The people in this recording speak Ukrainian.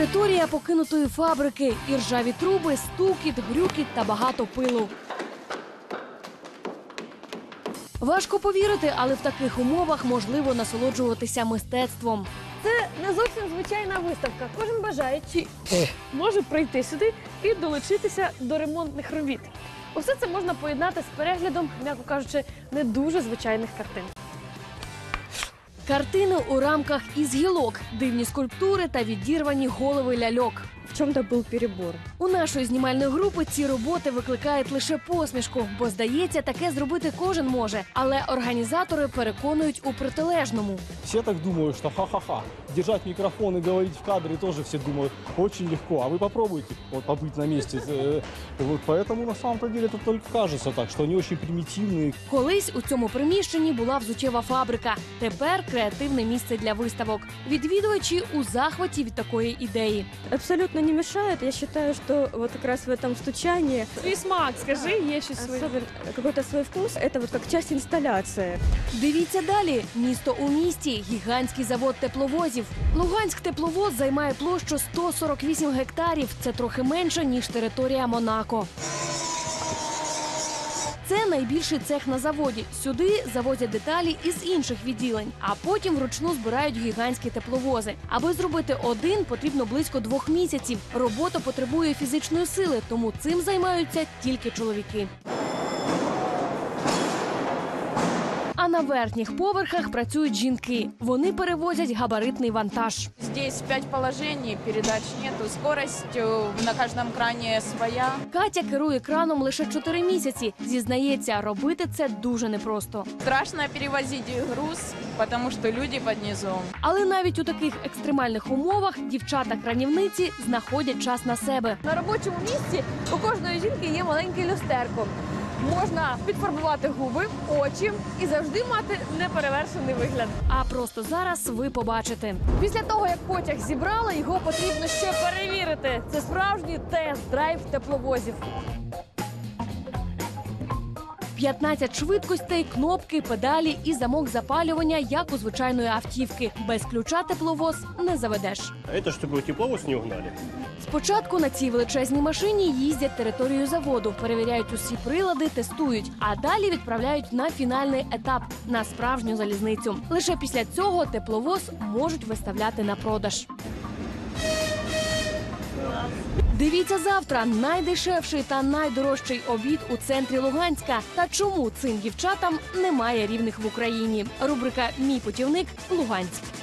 Територія покинутої фабрики, іржаві труби, стукіт, грюкіт та багато пилу. Важко повірити, але в таких умовах можливо насолоджуватися мистецтвом. Це не зовсім звичайна виставка. Кожен бажаючий може прийти сюди і долучитися до ремонтних робіт. Усе це можна поєднати з переглядом, м'яко кажучи, не дуже звичайних картин. Картини у рамках із гілок, дивні скульптури та відірвані голови ляльок. В чому-то був перебор. У нашої знімальної групи ці роботи викликають лише посмішку, бо, здається, таке зробити кожен може. Але організатори переконують у протилежному. Все так думают, что ха-ха-ха. Держать микрофон и говорить в кадре тоже все думают очень легко. А вы попробуйте вот, побыть на месте. Вот поэтому на самом-то деле это только кажется так, что они очень примитивные. Колись у цьому приміщенні була взуттєва фабрика. Тепер креативне місце для виставок. Відвідувачі у захваті від такої ідеї. Абсолютно не мешает. Я считаю, что вот как раз в этом стучании Свій смак, скажи, є щось своє. какой-то свой вкус. Это вот как часть инсталляции. Дивіться далі. Місто у місті. Гігантський завод тепловозів. Луганськ тепловоз займає площу 148 гектарів. Це трохи менше, ніж територія Монако. Це найбільший цех на заводі. Сюди завозять деталі із інших відділень, а потім вручну збирають гігантські тепловози. Аби зробити один, потрібно близько 2 місяців. Робота потребує фізичної сили, тому цим займаються тільки чоловіки. А на верхніх поверхах працюють жінки. Вони перевозять габаритний вантаж. Здесь 5 положений, передач нету, скорость на каждом кране своя. Катя керує краном лише 4 місяці. Зізнається, робити це дуже непросто. Страшно перевозить груз, потому что люди под низом. Але навіть у таких екстремальних умовах дівчата-кранівниці знаходять час на себе. На робочому місці у кожної жінки є маленьке люстерко. Можна підфарбувати губи, очі і завжди мати неперевершений вигляд. А просто зараз ви побачите. Після того, як потяг зібрали, його потрібно ще перевірити. Це справжній тест-драйв тепловозів. 15 швидкостей, кнопки, педалі і замок запалювання, як у звичайної автівки. Без ключа тепловоз не заведеш. А это чтобы тепловоз не угнали. Спочатку на цій величезній машині їздять територію заводу, перевіряють усі прилади, тестують, а далі відправляють на фінальний етап – на справжню залізницю. Лише після цього тепловоз можуть виставляти на продаж. Дивіться завтра найдешевший та найдорожчий обід у центрі Луганська. Та чому цим дівчатам немає рівних в Україні? Рубрика «Мій путівник. Луганськ».